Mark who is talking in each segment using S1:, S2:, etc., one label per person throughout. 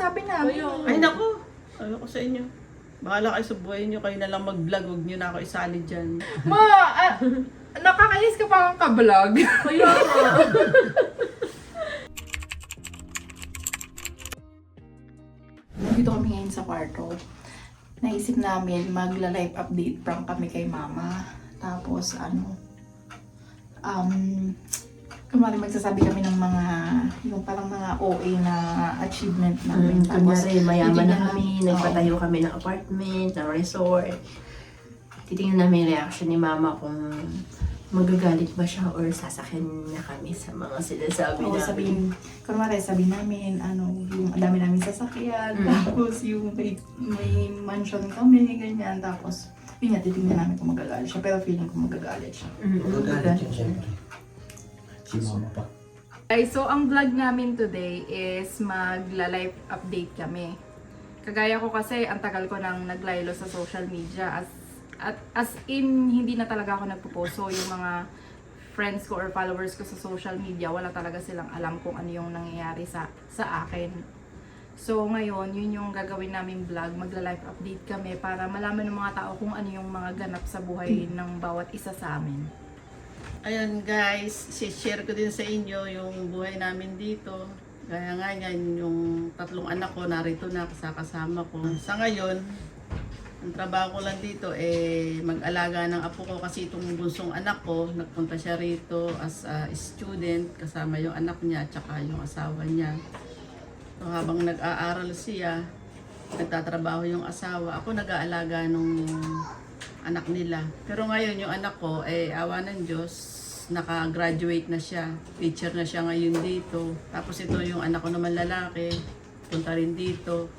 S1: sabi namin.
S2: Ay naku, ano ko sa inyo. Bahala kayo sa buhay nyo, kayo na lang mag-vlog, huwag nyo na ako isali dyan.
S1: Ma, nakakainis ka pa kang ka-vlog.
S3: Kaya nga.
S1: Nandito kami ngayon sa kwarto. Naisip namin magla-live update prank kami kay mama. Tapos kunwari magsasabi kami ng mga, yung parang mga OA na achievement namin. Tapos,
S3: Kunyari, mayaman na
S1: titignan
S3: kami,
S1: namin-
S3: nagpatayo kami ng apartment, ng resort. Titingnan namin yung reaction ni mama kung magagalit ba siya or sasakyan na kami sa mga sinasabi
S1: Oo,
S3: namin.
S1: kunwari sabihin namin, yung ang dami namin sasakyan, tapos yung may mansion kami, ganyan, tapos, yun nga, titignan namin kung magagalit siya, pero feeling ko magagalit siya.
S4: Magagalit yun siyempre. Si mama pa.
S1: Guys, so ang vlog namin today is magla-live update kami. Kagaya ko kasi, ang tagal ko nang naglaylo sa social media, as in, hindi na talaga ako nagpo-post. So, yung mga friends ko or followers ko sa social media, wala talaga silang alam kung ano yung nangyayari sa akin. So, ngayon, yun yung gagawin namin vlog. Magla-live update kami para malaman ng mga tao kung ano yung mga ganap sa buhay ng bawat isa sa amin.
S2: Ayan guys, share ko din sa inyo yung buhay namin dito. Gaya nga yan, yung tatlong anak ko narito na kasama ko. Sa ngayon, ang trabaho ko lang dito mag-alaga ng apo ko kasi itong bunsong anak ko, nagpunta siya rito as a student kasama yung anak niya at saka yung asawa niya. So habang nag-aaral siya, nagtatrabaho yung asawa, ako nag-aalaga nung anak nila. Pero ngayon yung anak ko, awa ng Diyos, naka-graduate na siya. Teacher na siya ngayon dito. Tapos ito yung anak ko naman lalaki, punta rin dito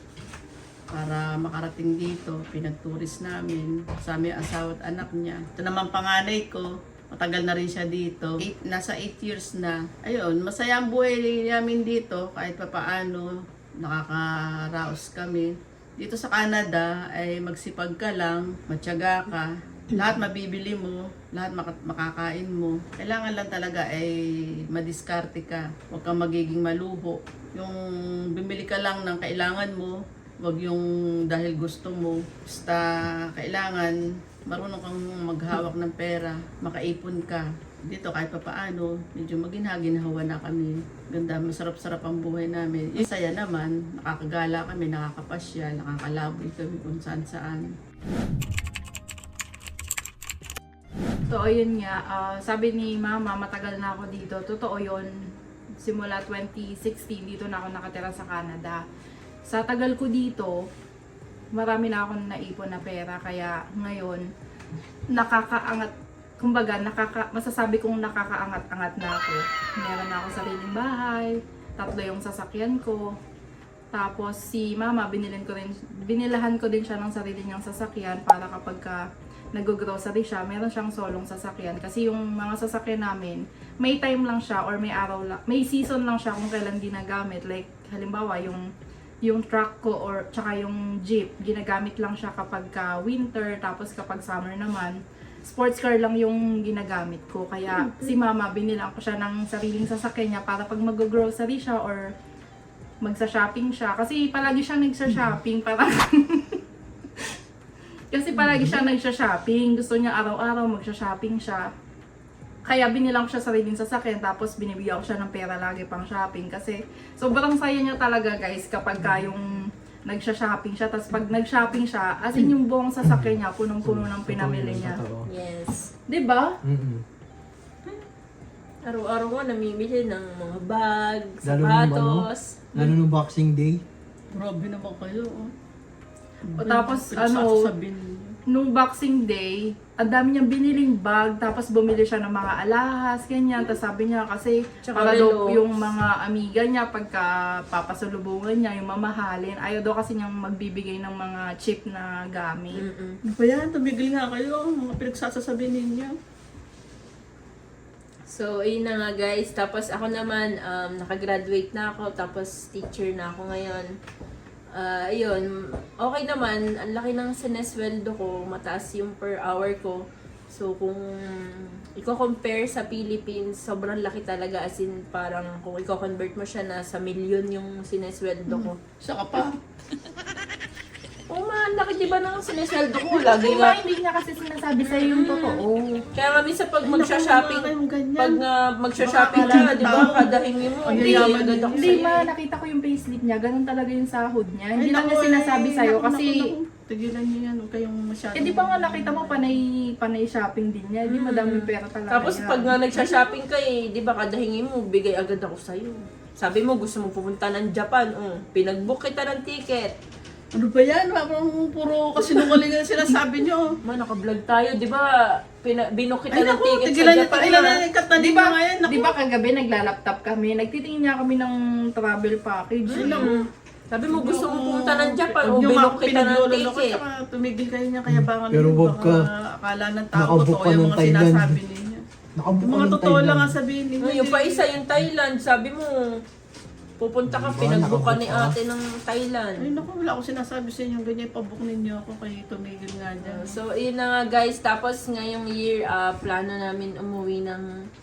S2: para makarating dito. Pinag-tourist namin, kasama yung asawa at anak niya. Ito naman panganay ko, matagal na rin siya dito. Nasa 8 years na. Ayun, masaya ang buhay namin dito kahit papaano nakakaraos kami. Dito sa Canada ay magsipag ka lang, matyaga ka, lahat mabibili mo, lahat makakain mo. Kailangan lang talaga ay madiskarte ka, huwag kang magiging maluho. Yung bumili ka lang ng kailangan mo, huwag yung dahil gusto mo. Basta kailangan marunong kang maghawak ng pera, makaipon ka. Dito kahit pa paano, medyo maginhawa na kami. Ganda, masarap-sarap ang buhay namin. Yung saya naman, nakakagala kami, nakakapasya, nakakalaboy kami kung saan-saan.
S1: So, ayun nga, sabi ni Mama, matagal na ako dito. Totoo yun. Simula 2016, dito na ako nakatira sa Canada. Sa tagal ko dito, marami na akong naipon na pera. Kaya ngayon, nakakaangat. Kumbaga, masasabi kong nakakaangat-angat na ako. Meron na ako sariling bahay, 3 yung sasakyan ko. Tapos si Mama, binilahan ko din siya ng sarili niyang sasakyan para kapag nag-grocery siya, meron siyang solong sasakyan. Kasi yung mga sasakyan namin, may time lang siya or may araw lang, may season lang siya kung kailan ginagamit. Like, halimbawa, yung truck ko or tsaka yung jeep, ginagamit lang siya kapag winter, tapos kapag summer naman, sports car lang yung ginagamit ko. Kaya si Mama, binilang ko siya ng sariling sasakyan niya para pag mag-grocery siya or magsa-shopping siya. Kasi palagi siya nagsa-shopping. Kasi palagi siya nagsa-shopping. Gusto niya araw-araw magsa-shopping siya. Kaya binilang ko siya sariling sasakyan, tapos binibigyan ko siya ng pera lagi pang shopping. Kasi sobrang saya niya talaga guys kapag yung nagsha-shopping siya, tapos pag nag-shopping siya, as in yung buong sasakyan niya, punong-puno ng pinamili niya.
S3: Yes.
S1: Diba?
S3: Araw-araw ko namimili ng mga bag,
S4: Lalo nung
S3: sapatos.
S4: Lalo nung Boxing Day.
S2: Grabe naman kayo.
S1: O tapos
S2: Pinagsasasabihin niyo.
S1: nung Boxing Day, ang dami niyang biniling bag, tapos bumili siya ng mga alahas, ganyan. Tapos sabi niya kasi
S3: Tsaka
S1: para daw
S3: relo.
S1: yung mga amiga niya pagka papasalubungan niya, yung mamahalin, ayaw daw kasi niyang magbibigay ng mga cheap na gamit.
S2: Ano ba yan? Tumigil nga kayo. Mga pinagsasasabihin ninyo.
S3: So, ayun na nga guys. Tapos ako naman, nakagraduate na ako. Tapos teacher na ako ngayon. Ayun, okay naman. Ang laki ng sinesweldo ko. Mataas yung per hour ko. So, kung i-compare sa Philippines, sobrang laki talaga. As in, parang kung i-convert mo siya na sa milyon yung sinesweldo ko.
S2: Saka pa.
S3: Oo, laki diba ng sinesweldo ko? Lagi
S1: Di
S3: nga.
S1: ba hindi niya kasi sinasabi sa'yo yung totoo?
S3: Kaya nga minsan pag magsha-shopping,
S2: Kayong ganyan.
S3: pag magsha-shopping
S2: Baka
S3: ka, di ba,
S2: tao.
S3: kada hingi mo,
S2: Ang
S3: hindi
S2: yayaman
S3: agad ako
S1: Hindi
S3: sa'yo.
S1: ma, nakita ko yung payslip niya, ganun talaga yung sahod niya. Hindi
S2: Ay,
S1: lang
S2: naku,
S1: niya sinasabi sa'yo
S2: naku,
S1: kasi...
S2: naku. Tigilan niyo yan, huwag kayong masyado.
S1: Eh di ba nga nakita mo panay shopping din niya, di madami pera talaga
S3: Tapos
S1: niya.
S3: pag nga nagsha-shopping ka eh, di ba, kada hingi mo, bigay agad ako sa'yo. Sabi mo, gusto mo pupunta ng Japan, pinag-book kita ng ticket.
S2: Ano ba yan? Parang puro kasinungalingan sinasabi niyo.
S3: Man, naka-vlog tayo, di ba? Binook kita
S2: Ay,
S3: ng
S2: naku,
S3: ticket sa
S2: tigilan niyo,
S3: Japan.
S2: tigilan na yung katanin
S1: Di
S2: niyo
S1: ba,
S2: ngayon. Naku.
S1: di ba kagabi nagla-laptop kami, nagtitingin niya kami ng travel package.
S2: Ay, naku.
S3: Sabi mo, gusto mo pumunta ng Japan,
S2: Huwag niyo
S3: binook kita ng
S2: pinaglololo ko,
S3: ticket.
S2: tsaka tumigil kayo niya, kaya baka
S4: Pero wag ka.
S2: akala ng tao,
S4: Nakabook
S2: totoo
S4: ka
S2: yung
S4: ng
S2: mga
S4: Thailand.
S2: sinasabi ninyo.
S4: Nakabook
S2: Yung
S4: ka
S2: mga
S4: ng
S2: totoo lang
S4: Thailand.
S2: ang sabihin ninyo.
S3: Yung pa isa, yung Thailand, sabi mo, pupunta ka,
S4: Diba,
S3: pinag-book ka ni
S4: nakabook ka.
S3: ate ng Thailand.
S2: Ay naku, wala akong sinasabi sa inyo, ganyan, pabook ninyo ako, kayo tumigil nga dyan.
S3: So, yun na nga guys. Tapos ngayong year, plano namin umuwi ng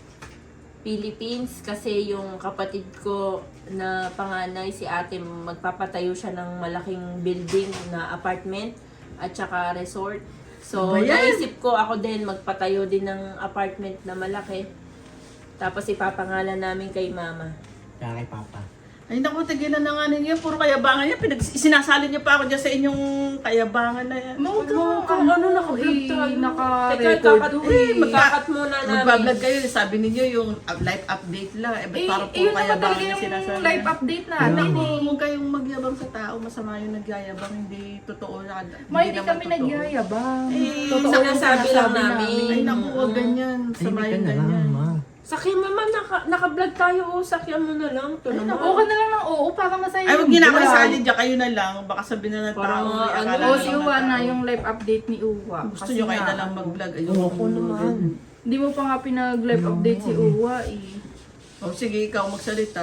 S3: Philippines kasi yung kapatid ko na panganay, si ate, magpapatayo siya ng malaking building na apartment at saka resort. So,
S2: Ano ba yan?
S3: naisip ko ako din magpatayo din ng apartment na malaki. Tapos ipapangalan namin kay mama.
S4: Kaya kay Papa.
S2: Ay naku, tigilan na nga ninyo, puro kayabangan yan, sinasalin niyo pa ako dyan sa inyong kayabangan na yan.
S1: Huwag
S3: Kung ano, naka-vlog tayo.
S1: Naka-record
S3: Teka,
S1: to eh.
S3: magkakat muna namin.
S2: Magbablog kayo, sabi ninyo yung live update lang, eh ba't parang puro
S1: Yun naman
S2: kayabangan
S1: talaga
S2: yung
S1: yung
S2: sinasabi?
S1: live update natin
S2: Naku,
S1: eh.
S2: huwag kayong magyabang sa tao, masama yung nagyayabang, hindi totoo na.
S1: Ma, hindi
S2: naman
S1: kami
S2: totoo.
S1: nagyayabang.
S2: Eh,
S1: Totoo yung
S3: sinasabi lang
S1: sinasabi
S3: namin.
S2: Ay naku, huwag ganyan, sama
S4: Tahimik ka
S2: yung
S4: na lang,
S2: ganyan.
S4: ma.
S3: Sakyan mama, naka-vlog tayo. Sakyan mo na lang. Ito naman.
S1: Oo ka na lang ng oo, parang masaya
S2: Ay, huwag
S1: yung
S2: niyo na
S1: vlog.
S2: kasali dyan, kayo na lang, baka sabihin na ng
S3: Parang,
S2: tao, may
S3: ano,
S2: akala
S1: Oo,
S2: na
S1: si
S2: ng
S1: Uwa na
S2: tao.
S1: yung live update ni Uwa.
S2: Gusto
S1: Kasi
S2: nyo kayo
S1: nga,
S2: na lang mag-vlog. Ayun,
S3: Oo naman.
S1: Hindi mo pa nga pinag-live update si Uwa eh.
S2: O sige, ikaw magsalita.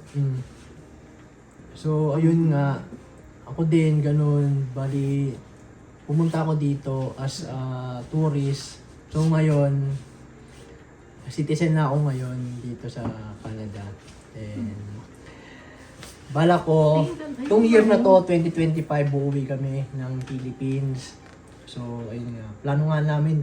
S4: So, ayun nga. Ako din, ganun. Bali, pumunta ako dito as a tourist. So, ngayon, citizen na ako ngayon dito sa Canada. And, bala ko, itong year na to, 2025, uuwi kami ng Philippines. So, ayun nga. Plano nga namin,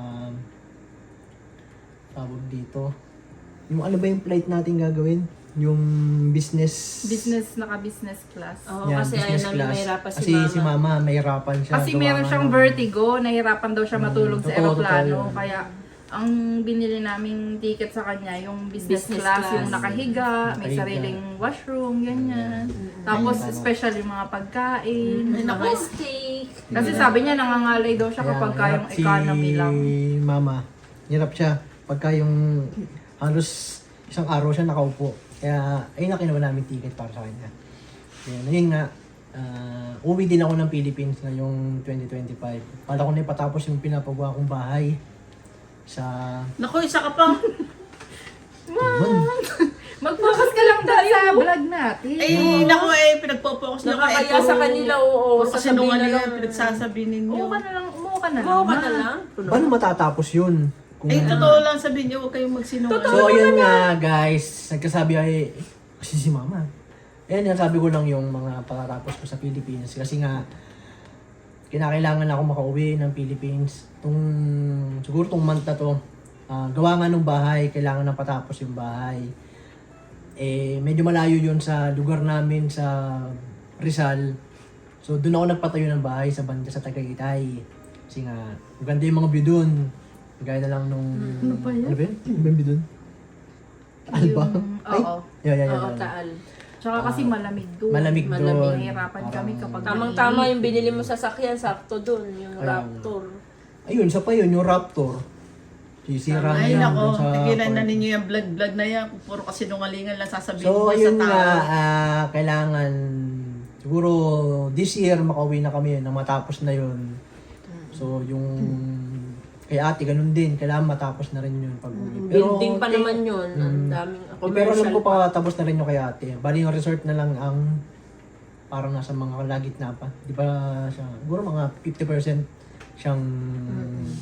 S4: tawag dito. Yung ano ba yung flight natin gagawin? Yung business...
S1: Naka-business class.
S3: Oo,
S4: Yan,
S3: kasi ayaw
S4: business
S3: namin
S4: class.
S3: mahirapan si
S4: Kasi
S3: mama.
S4: si mama, mahirapan siya.
S1: Kasi
S4: gawa
S1: meron
S4: nga
S1: siyang
S4: ng-
S1: vertigo, nahirapan daw siya matulog sa
S4: totoo,
S1: aeroplano.
S4: totoo yun.
S1: Kaya ang binili naming ticket sa kanya, yung business,
S3: Business
S1: class,
S3: class.
S1: yung nakahiga, may
S4: Nakahiga.
S1: sariling washroom, ganyan. Tapos
S4: Ayun.
S1: special yung mga pagkain.
S3: Mga steak.
S1: Kasi sabi niya nangangalay daw siya
S4: Kaya
S1: kapag yung
S4: hirap
S1: economy lang.
S4: Si mama, hirap siya. Pagka yung halos isang araw siya nakaupo. Kaya ayun na kinuha namin ticket para sa kanya. Ayun nga, uwi din ako ng Philippines ngayong 2025. Pala ko na ipatapos yung pinapagawa kong bahay sa...
S2: Naku, isa ka pa.
S1: Mag-focus ka lang doon sa vlog natin.
S2: Eh, naku pinagpo-focus niyo kayo.
S3: Nakakaya sa kanila, oo.
S2: Kasi
S3: Sasabihin
S2: nung
S3: na lang.
S2: pinagsasabi ninyo.
S1: Umuha ka na lang, umuha ka na lang.
S3: Gawa ka na lang.
S4: Paano matatapos yun? Kung...
S2: Eh, totoo lang sabihin niyo, huwag kayong magsinungaling.
S4: So, ayun nga guys, nagkasabi ay, kasi si mama. Ayan, sabi ko lang yung mga pagkatapos ko sa Philippines. Kasi nga, kinakailangan ako makauwi ng Philippines. Siguro tong month na to, gawa nga ng bahay, kailangan na patapos yung bahay. Eh, medyo malayo yun sa lugar namin sa Rizal. So, doon ako nagpatayo ng bahay sa banda sa Tagaytay. Kasi nga, maganda yung mga view doon. Gaya na lang nung...
S1: Ano ba yan?
S4: Ano ba yun? Ano ba yung view doon? Taal ba? Ay,
S1: Oo.
S4: yan.
S3: Oo, taal.
S1: Tsaka kasi malamig doon.
S4: Malamig doon.
S1: Nahihirapan kami kapag
S3: Tamang-tama yung binili mo sa sakyan, sakto dun, yung
S4: Ayun.
S3: Raptor.
S4: Ayun, isa pa yun, yung Raptor. Sisira
S2: Ay,
S4: niya
S2: nako,
S4: dun sa
S2: tigilan na
S4: part.
S2: ninyo yung vlog na yan. Puro kasi nungalingan lang sasabihin
S4: So,
S2: mo sa
S4: ayun
S2: tao.
S4: nga, kailangan, siguro this year makauwi na kami na matapos na yun. So, yung kay ate, ganun din. Kailangan matapos na rin yun pag-uwi.
S3: Building pa naman yun. Ang daming
S4: Pero alam
S3: commercial
S4: ko pa, tapos na rin yung kay ate. Bali yung resort na lang ang parang nasa mga kalagitna pa. Di ba siya, siguro mga 50% siyang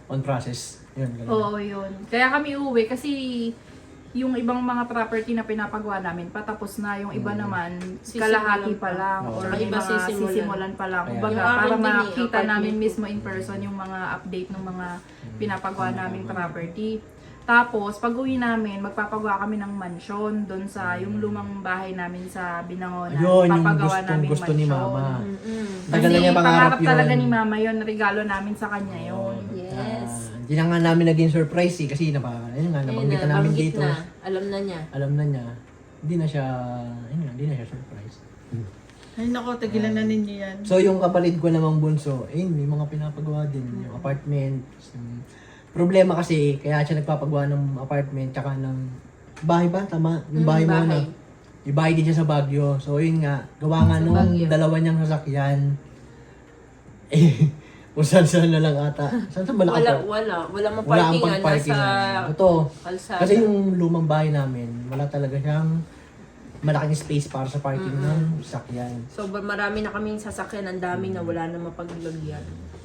S4: on process. Yun, ganun.
S1: Oo, yun. Kaya kami uuwi kasi yung ibang mga property na pinapagawa namin, patapos na. Yung iba naman, kalahati pa lang.
S4: Oo.
S1: Or
S3: Ang
S1: may
S3: iba
S1: mga
S3: sisimulan.
S1: sisimulan pa lang.
S4: Kaya-
S1: Kumbaga,
S3: Yung akin
S1: para
S3: din eh,
S1: makita
S3: apartment
S1: namin
S3: ko.
S1: mismo in person yung mga update ng mga pinapagawa naming property. Tapos, pag uwi namin, magpapagawa kami ng mansyon doon sa yung lumang bahay namin sa Binangonan.
S4: Yun, yung
S1: Papagawa
S4: gustong gusto ni Mama.
S3: Mm-mm.
S4: Tagal na
S1: Kasi
S4: niya pangarap
S1: pangarap talaga
S4: yun.
S1: ni Mama yun. Regalo namin sa kanya yun.
S3: Yes.
S4: Hindi na nga namin naging surprise kasi ayun nga, nabanggit na namin
S3: banggit
S4: dito.
S3: na. Alam na niya.
S4: Alam na niya. Hindi na siya, hindi na siya surprise.
S2: Ay nako, tigilan na ninyo yan.
S4: So yung kapatid ko namang bunso, may mga pinapagawa din. Yung apartment. Problema kasi, kaya siya nagpapagawa ng apartment tsaka ng bahay ba? Tama? Yung bahay mo na.
S3: bahay.
S4: Yung bahay din siya sa Baguio. So yun nga, gawa nga
S3: Sa
S4: nung
S3: Baguio.
S4: dalawa niyang sasakyan. Kung saan na lang ata. Saan ba
S3: Wala
S4: nakapark?
S3: wala ang
S4: Wala ang
S3: parkingan
S4: pag-parking.
S3: nasa
S4: Totoo.
S3: kalsada.
S4: Kasi yung lumang bahay namin, wala talaga siyang malaking space para sa parking ng sasakyan.
S3: So marami na kaming sasakyan, ang dami na wala na mapaglagyan.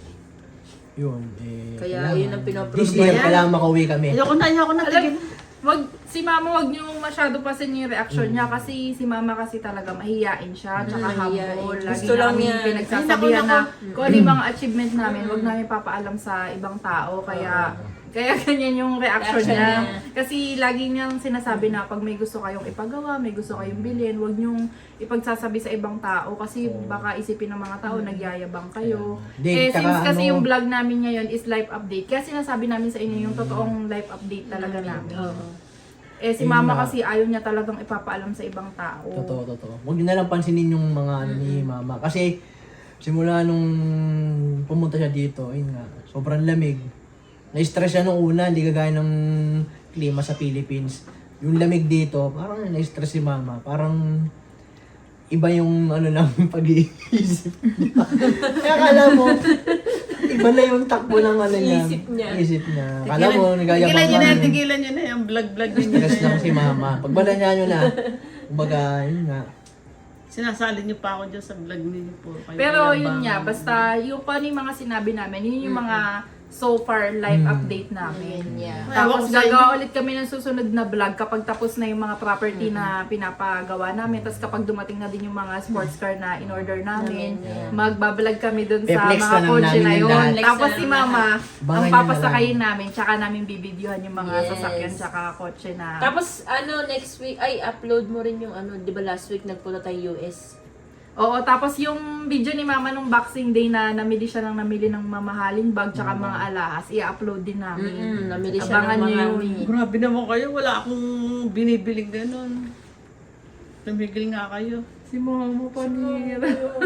S4: Yun,
S3: Kaya yun ang pinoproblema.
S4: This year, kailangan makauwi kami.
S2: Ayoko na,
S1: Alam, si Mama, wag niyo masyado pasin yung reaction niya kasi si Mama kasi talaga mahihiyain siya, tsaka
S3: mahihiyain.
S1: humble. Lagi
S3: Gusto lang
S1: namin
S3: niya.
S1: pinagsasabihan na kung ano yung mga achievement namin, wag namin papaalam sa ibang tao. Kaya ganyan yung reaction
S3: Reaction
S1: niya.
S3: niya.
S1: Kasi lagi niyang sinasabi na pag may gusto kayong ipagawa, may gusto kayong bilhin, wag niyong ipagsasabi sa ibang tao kasi baka isipin ng mga tao nagyayabang kayo.
S4: Di,
S1: Since
S4: tsaka
S1: kasi
S4: ano-
S1: yung vlog namin ngayon is live update, kaya sinasabi namin sa inyo yung totoong live update talaga namin.
S3: Oo.
S1: Si
S4: Ayun
S1: Mama
S4: nga.
S1: kasi ayaw niya talagang ipapaalam sa ibang tao.
S4: Totoo. Huwag niyo na lang pansinin yung mga ano ni Mama. Kasi simula nung pumunta siya dito, ayun nga, sobrang lamig. Na-stress siya nung una, hindi kagaya ng klima sa Philippines. Yung lamig dito, parang na-stress si Mama. Parang iba yung ano lang pag-iisip niya. Kaya akala mo, iba na yung takbo ng ano niya.
S3: Isip niya.
S4: Akala mo, nagayabang
S2: Tigilan nyo na yung vlog-vlog ninyo.
S4: Stress lang si Mama. Pagbala niya nyo na, kumbaga, yun nga.
S2: Sinasali nyo pa ako dyan sa vlog ninyo po.
S1: Pero yun nga, basta yung kung ano yung mga sinabi namin, yun yung mga so far live update namin.
S3: Yeah.
S1: Tapos
S2: Ewan ko sa
S1: gagawa ulit kami ng susunod na vlog kapag tapos na yung mga property na pinapagawa namin. Tapos kapag dumating na din yung mga sports car na in-order namin, magbablog kami dun sa
S4: Pe-flex
S1: mga
S4: na lang
S1: kotse
S4: namin
S1: na
S4: yung
S1: yun.
S4: lahat.
S1: Tapos
S3: Flex
S1: si
S3: na lang
S1: Mama, ang
S4: Abangan nyo na
S1: papasakayin namin, tsaka namin bibidyohan yung mga
S3: Yes.
S1: sasakyan tsaka kotse na.
S3: Tapos next week, upload mo rin yung di ba last week nagpunta tayo US?
S1: Oo, tapos yung video ni Mama nung Boxing Day na namili siya ng mamahaling bag tsaka mga alahas, i-upload din namin.
S3: Namili siya
S1: Abangan
S3: ng
S1: niyo
S3: marami.
S1: yun.
S2: Grabe naman kayo, wala akong binibiling ganun. Tumigil nga kayo.
S1: Si Mama panira.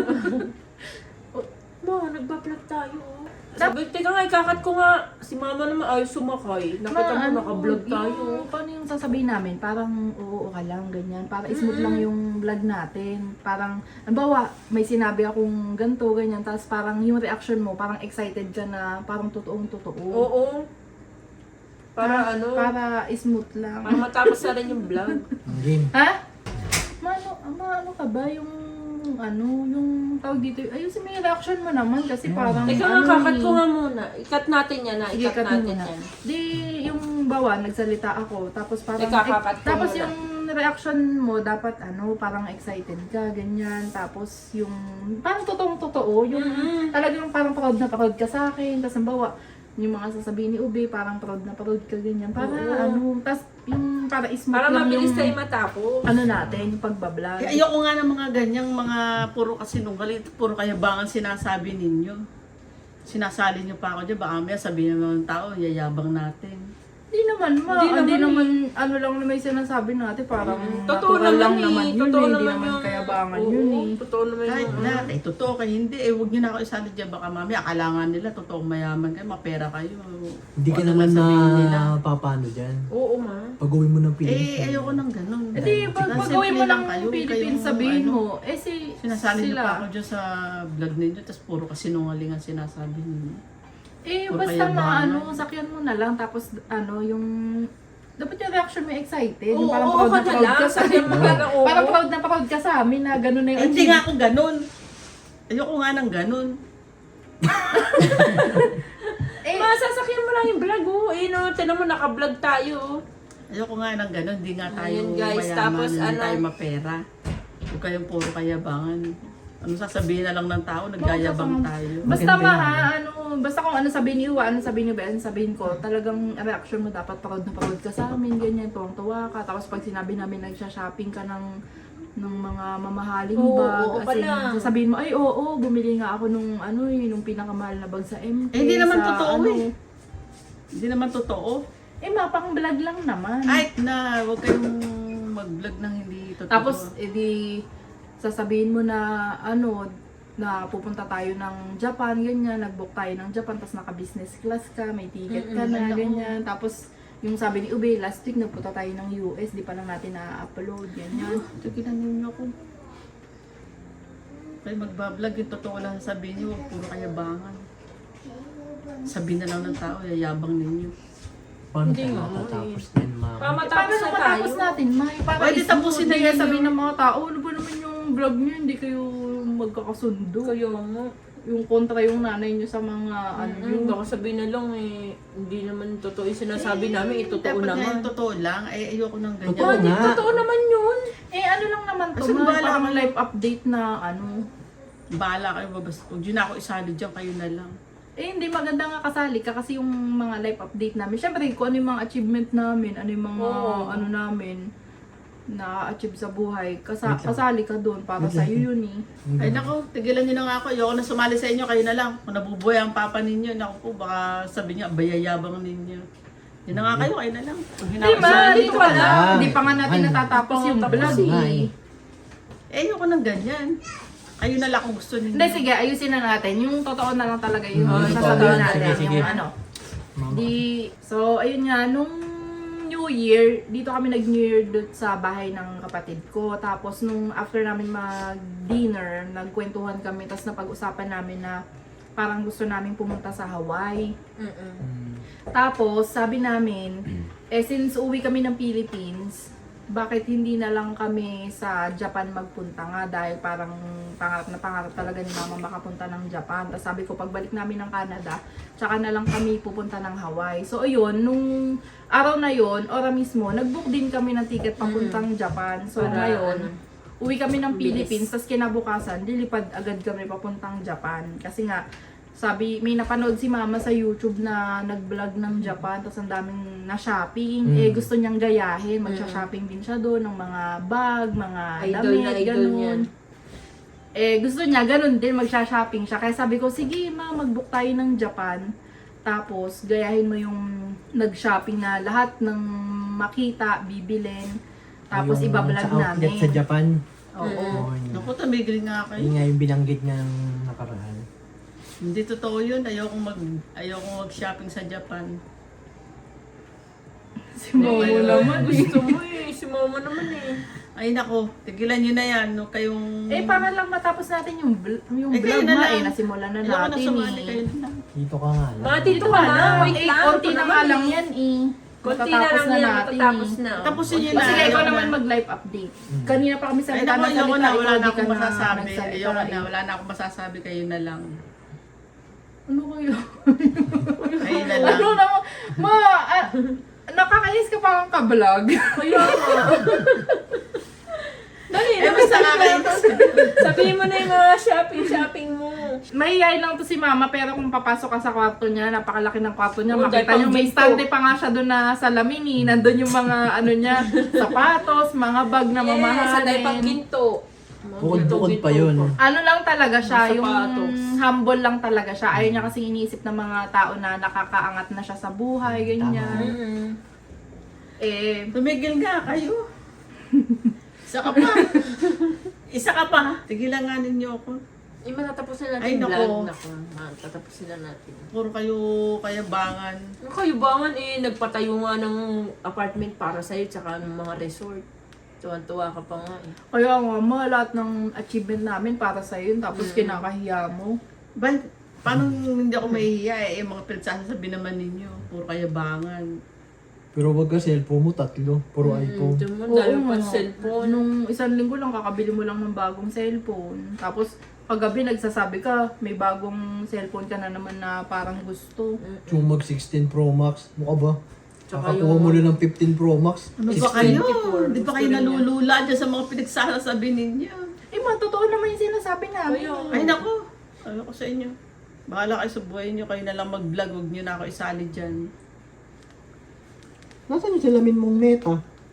S3: Ma, nagbablog tayo. Sabi, teka nga, ikakat ko nga. Si Mama naman ayaw sumakay. Nakita mo, nakablog tayo.
S1: Paano yung sasabihin namin? Parang oo ka lang, ganyan. Para smooth lang yung vlog natin. Parang, halimbawa, may sinabi akong ganito, ganyan. Tapos parang yung reaction mo, parang excited ka na, parang totoong totoo.
S3: Oo. Para
S1: Para smooth lang.
S3: para matapos na rin yung vlog.
S4: Game.
S1: Ha? Ano ka ba? Yung tawag dito, ayusin mo yung reaction mo naman kasi parang,
S3: Teka nga, kakat ko nga muna. Ikat natin yan na.
S1: Sige,
S3: Ikat
S1: cut mo
S3: natin
S1: muna.
S3: yan.
S1: Di, yung bawa, nagsalita ako, tapos parang,
S3: Teka, kakat ko
S1: tapos
S3: muna.
S1: yung reaction mo, dapat parang excited ka, ganyan, tapos yung, parang totoong-totoo, yung talagang parang proud na proud ka sa akin, tapos ang bawa, yung mga sasabihin ni Ube, parang proud na proud ka, ganyan, para tapos yung, para smooth
S3: Para
S1: lang
S3: mabilis
S1: yung,
S3: tayo matapos.
S1: natin, yung pagbablog.
S2: Eh, ayoko nga ng mga ganyang mga puro kasinungaling, puro kayabangan sinasabi ninyo. Sinasali nyo pa ako dyan, baka may sabihin ng tao, yayabang natin.
S1: Hindi naman,
S3: Hindi
S1: hindi
S3: naman
S1: naman, ano lang na may sinasabi natin, parang
S3: Totoo
S1: natural lang
S3: naman
S1: naman yun,
S3: Totoo
S1: hindi
S3: naman
S1: naman
S3: yung...
S1: kayabangan
S3: Oo,
S1: yun eh.
S3: Totoo naman
S2: Kahit
S3: yung...
S2: na, totoo kayo, hindi, huwag nyo na ako isali dyan, baka mami, akalangan nila, totoong mayaman kayo, mapera kayo.
S4: Hindi ka
S2: Ano
S4: naman
S2: man sabihin nila.
S4: na papano dyan.
S3: Oo, ma.
S4: Pag-uwi mo ng Pilipinas.
S2: Ayoko ng ganun.
S1: Eh di, pag
S2: Simple
S1: pag-uwi mo
S2: lang
S1: ng
S2: kayo,
S1: Philippines,
S2: kayong
S1: sabihin
S2: ano,
S1: mo,
S2: Sinasali nyo pa
S1: sila.
S2: ako dyan sa vlog ninyo, tapos puro kasinungaling ang sinasabi ninyo.
S1: Eh,
S2: Puro
S1: basta
S2: kayabangan.
S1: sakyan mo na lang, tapos yung, dapat yung reaction mo excited, yung
S3: Oo,
S1: parang
S3: oo
S1: proud
S3: ka
S1: na
S3: na
S1: proud
S3: lang,
S1: ka sa
S3: sabihin mo na lang, oo.
S1: parang proud na proud ka sa amin na gano'n na yung
S2: Hindi nga ako ganun. Ayoko nga ng ganun.
S3: Masasakyan mo lang yung vlog, oh. Eh, no, tinan mo, naka-vlog tayo, oh.
S2: Ayoko nga ng gano'n, hindi nga tayo
S3: Ayan, guys,
S2: mayaman,
S3: tapos
S2: hindi
S3: ano?
S2: tayo mapera. Huwag kayong puro kayabangan. Ano sasabihin na lang ng tao, nagyayabang tayo.
S1: Basta
S4: Maganda
S1: ma,
S4: yan.
S1: basta kung ano sabihin ni Iwa, ano sabihin ni Ben, sabihin ko, talagang reaction mo dapat parod na parod ka sa amin, ganyan, tuwang-tuwa ka. Tapos pag sinabi namin nagsha-shopping ka ng mga mamahaling
S3: Oo,
S1: bag,
S3: oo
S1: kasi
S3: pala.
S1: sasabihin mo, ay oo, bumili nga ako nung nung pinakamahal na bag sa MK.
S2: Eh, hindi naman
S1: sa
S2: totoo eh. Hindi naman totoo.
S1: pang vlog lang naman.
S2: Ay, huwag kayong mag-vlog ng hindi totoo.
S1: Tapos, edi, sasabihin mo na, na pupunta tayo ng Japan, ganyan, nag-book tayo ng Japan, tapos naka-business class ka, may ticket ka na,
S2: Ay, naku.
S1: ganyan. Tapos, yung sabi ni Ube, last week nagpunta tayo ng US, di pa lang natin na-upload, ganyan.
S2: Tigilan ninyo ako. Kayo magbablog, yung totoo lang sabihin niyo, huwag puro kayabangan. Sabihin na lang ng tao, yayabang ninyo.
S4: Paano
S3: Hindi
S4: tayo
S3: nga,
S4: matatapos din, ma'am?
S3: Matapos
S1: Paano
S3: na tayo.
S1: matapos natin, May? Para
S2: Pwede
S1: smooth,
S2: tapusin na
S1: hindi
S2: yan
S1: sabihin
S2: yung-
S1: ng mga tao, ano ba naman yung vlog niyo, hindi kayo magkakasundo.
S3: Kayo mo.
S1: Yung kontra yung nanay niyo sa mga,
S3: Baka sabihin na lang, eh, hindi naman totoo yung sinasabi namin, totoo
S2: Dapat nga
S3: naman.
S2: yung totoo lang, ayoko ng ganyan.
S4: Totoo nga.
S3: Totoo naman yun.
S1: ano lang naman to,
S2: Kasi
S1: May,
S2: bahala
S1: parang
S2: kayo.
S1: live update na,
S2: Bahala kayo, basta huwag yun na ako isali dyan, kayo na lang.
S1: hindi maganda nga kasali ka kasi yung mga live update namin. Syempre, kung ano yung mga achievement namin, ano yung mga
S3: Oo.
S1: namin na-achieve sa buhay,
S4: Wait lang.
S1: kasali ka doon para sa iyo yun eh.
S2: Ay nako, tigilan nyo na nga ako, ayoko na sumali sa inyo, kayo na lang. Kung nabubuhay ang papa ninyo, nako po, baka sabi niya, bayayabang ninyo. Yun na nga kayo na lang. Kung
S1: Hindi
S2: hinawag
S1: ma,
S2: sa
S1: dito
S2: dito
S1: pa
S2: ka
S1: lang.
S2: lang.
S1: Hindi pa nga natin
S4: Ay,
S1: natatapos yung
S3: tapos
S1: vlog
S4: nga
S1: eh.
S4: eh.
S2: Ayoko ng ganyan. Kayo na lang kung gusto ninyo.
S1: Hindi, sige, ayusin na natin. Yung totoo na lang talaga yung
S4: Totoo
S1: sasabihin
S4: yan.
S1: natin.
S4: Sige, sige.
S1: Yung
S4: Mama.
S1: So, ayun nga, nung New Year, dito kami nag-New Year doon sa bahay ng kapatid ko. Tapos, nung after namin mag-dinner, nagkwentuhan kami, tapos napag-usapan namin na parang gusto namin pumunta sa Hawaii. Tapos, sabi namin, since uwi kami ng Philippines, bakit hindi na lang kami sa Japan magpunta nga dahil parang pangarap talaga ni Mama makapunta ng Japan. Tapos sabi ko, pagbalik namin ng Canada, tsaka na lang kami pupunta ng Hawaii. So ayun, nung araw na yon, ora mismo, nag-book din kami ng ticket papuntang Japan. So
S3: Para,
S1: ngayon, uwi kami ng
S3: bilis.
S1: Philippines, tapos kinabukasan, lilipad agad kami papuntang Japan. Kasi nga, sabi, may napanood si Mama sa YouTube na nag-vlog ng Japan, tapos ang daming na-shopping. Gusto niyang gayahin, magsha-shopping din siya doon ng mga bag, mga
S3: Idol
S1: damit,
S3: na idol niya.
S1: ganun. Gusto niya, ganun din, magsha-shopping siya. Kaya sabi ko, sige Ma, mag-book tayo ng Japan. Tapos, gayahin mo yung nag-shopping na lahat ng makita, bibilin. Tapos,
S4: Yung
S1: ibablog
S4: sa outlet
S1: namin.
S4: sa Japan.
S1: Oo.
S4: Oo, yun.
S2: Naku, tumigil nga kayo.
S4: Yun nga yung binanggit niya ng nakaraan.
S2: Hindi totoo yun, ayoko mag-shopping sa Japan.
S1: Si Momo naman.
S3: Gusto mo eh. Si mama naman eh.
S2: Ay nako, tigilan nyo na yan, no, kayong...
S1: Para lang matapos natin yung
S2: kayo
S1: vlog
S2: na
S1: na
S2: lang.
S1: nasimulan na
S2: Ayoko na
S1: natin
S2: sumali, kayo
S1: eh.
S2: na lang.
S4: Dito ka nga lang.
S3: Mga dito ka na. Wait lang.
S1: konti
S3: ito
S1: na
S3: naman
S1: nga lang
S3: eh.
S1: yan eh.
S3: Konti na
S1: Matatapos
S3: lang yan.
S1: natin
S3: Matatapos
S1: eh.
S3: na.
S2: Tapusin nyo
S1: O
S2: na.
S1: sige, ikaw
S2: ayoko
S1: naman
S2: na.
S1: mag-live update. Kanina pa kami
S2: Ay
S1: salita
S2: nako,
S1: na
S2: ayoko
S1: salita,
S2: na,
S1: ikaw
S2: wala na
S1: di ka
S2: akong masasabi.
S1: nagsalita
S2: Ayoko
S1: eh.
S2: na, wala na akong masasabi, kayo na lang.
S1: Ano kayo?
S2: Kayo na lang.
S1: Ano na, nakakainis ka parang ka-vlog.
S3: Kaya nga. Dali
S2: Eh,
S3: na.
S2: basta nga kayo.
S3: Sabihin mo na yung mga shopping mo.
S1: Mahihayin lang to si Mama, pero kung papasok ka sa kwarto niya, napakalaki ng kwarto niya,
S3: Oh,
S1: makita
S3: dahil
S1: niyo may
S3: pang
S1: stante pa nga siya doon na salamin eh. Nandun yung mga ano niya, sapatos, mga bag na
S3: Yes, sa
S1: mamahalin.
S3: pang ginto.
S4: Bukod-bukod pa yun.
S1: Ano lang talaga siya,
S3: Mga
S1: yung
S3: sapatos.
S1: humble lang talaga siya. Ayaw niya kasi iniisip ng mga tao na nakakaangat na siya sa buhay, ganyan.
S3: Mm-hmm.
S2: Tumigil nga kayo. Isa ka pa. Isa ka pa. Tigilan nga ninyo ako.
S3: Matatapusin natin
S2: Ay,
S3: yung
S2: nako.
S3: vlog. Naku, matatapusin na natin.
S2: Puro kayo kayabangan.
S3: Ano kayo bangan nagpatayo nga ng apartment para sa'yo tsaka ng mga resort. Tuwan-tuwa ka pa nga eh.
S1: Kaya nga, lahat ng achievement namin para sa yun, tapos kinakahiya mo.
S2: Paano hindi ako mahihiya eh? Yung mga pinagsasabi naman ninyo. Puro kayabangan.
S4: Pero wag ka cellphone mo, 3. Puro iPhone.
S3: Ito mo, dalo pa
S1: nga.
S3: cellphone.
S1: Nung isang linggo lang, kakabili mo lang ng bagong cellphone. Tapos, paggabi nagsasabi ka, may bagong cellphone ka na naman na parang gusto.
S4: Yung mag 16 Pro Max. Mukha ba?
S3: Tsaka
S4: Nakakuha mo na ng 15 Pro Max.
S2: Ano ba kayo?
S3: 64.
S2: Di ba kayo
S3: Gusto rin
S2: nalulula dyan sa mga pinagsasabi ninyo?
S1: Eh, totoo naman yung sinasabi namin.
S2: Ay nako, ano ko sa inyo? Bahala kayo sa buhay nyo, kayo na lang mag-vlog, huwag nyo na ako isali dyan.
S4: Nasaan yung salamin mong Meta?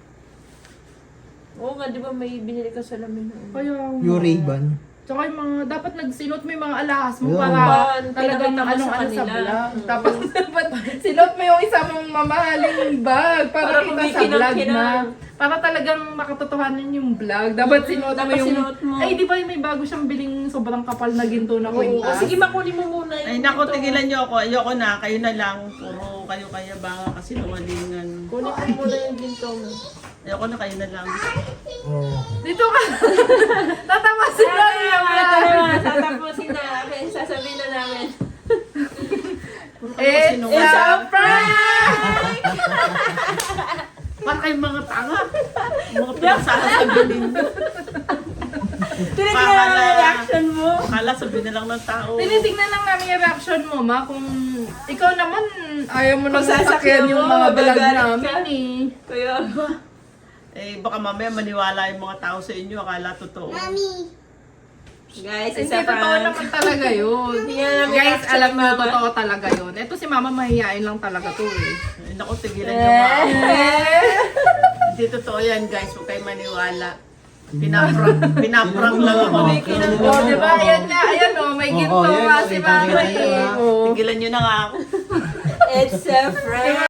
S3: Oo nga, di ba may binili ka sa lamin na
S1: Kaya,
S4: Yung Ray-Ban.
S1: tsaka yung mga, dapat nagsinot mo yung mga alahas mo
S4: Yeah.
S1: para
S3: Talagang
S1: talagang
S3: pinakita mo sa
S1: ano sa
S3: kanila.
S1: vlog. Tapos dapat sinot mo yung isa mong mamahaling bag para
S3: Para
S1: kita sa vlog
S3: kumikinang-kinang.
S1: na. Para talagang makatotohanan yung vlog. Dapat sinot mo
S3: Dapat
S1: yung...
S3: sinuot mo.
S1: Ay, di ba may bago siyang biling sobrang kapal na ginto na
S3: Oo,
S1: kwintas?
S3: sige, makunin mo muna
S2: Ay nako, tigilan nyo ako, ayoko na, kayo na lang, puro kayo kaya ba kasi nungalingan.
S3: Kunin mo muna yung ginto mo.
S2: Ayoko na, kayo na lang.
S4: Oh.
S1: Dito ka! Tatapasin na niya
S3: Ito na, tatapusin na. Okay, sasabihin na namin.
S2: Puro kayo kasi
S1: It's
S2: nungalingan.
S1: a prank!
S2: Parang kayong mga tanga. Mga pinagsasabi ninyo.
S3: Tinignan mo yung reaction mo.
S2: Akala sabihin na lang ng tao.
S1: Tinitingnan lang namin yung reaction mo, ma. Kung ikaw naman, ayaw mo nang
S3: Kung
S1: sasakyan
S3: sasakyan
S1: yung
S3: mo,
S1: mga vlog
S3: magagalit
S1: namin
S3: ka.
S1: eh.
S3: Kaya,
S2: Eh, baka mamaya maniwala yung mga tao sa inyo, akala totoo.
S3: guys,
S1: Hindi,
S3: isa
S1: totoo
S3: prank.
S1: naman talaga yun.
S3: Tingnan namin
S1: Guys,
S3: reaction
S1: alam
S3: ni
S1: mo,
S3: Mama.
S1: totoo talaga yun. Ito si mama mahihain lang talaga to eh.
S2: Ay, naku, tigilan nyo nga ako. Hindi totoo yan, guys. Huwag kayo maniwala. Pinaprank lang ako.
S1: Oh, di ba? Ayan nga, ayan o, may ginto
S4: Oo, yan,
S1: nga
S4: oh,
S1: si
S4: kita
S1: mama
S4: nyo,
S1: eh.
S4: ah.
S1: Oh.
S2: Tigilan nyo na nga ako.
S3: It's a prank.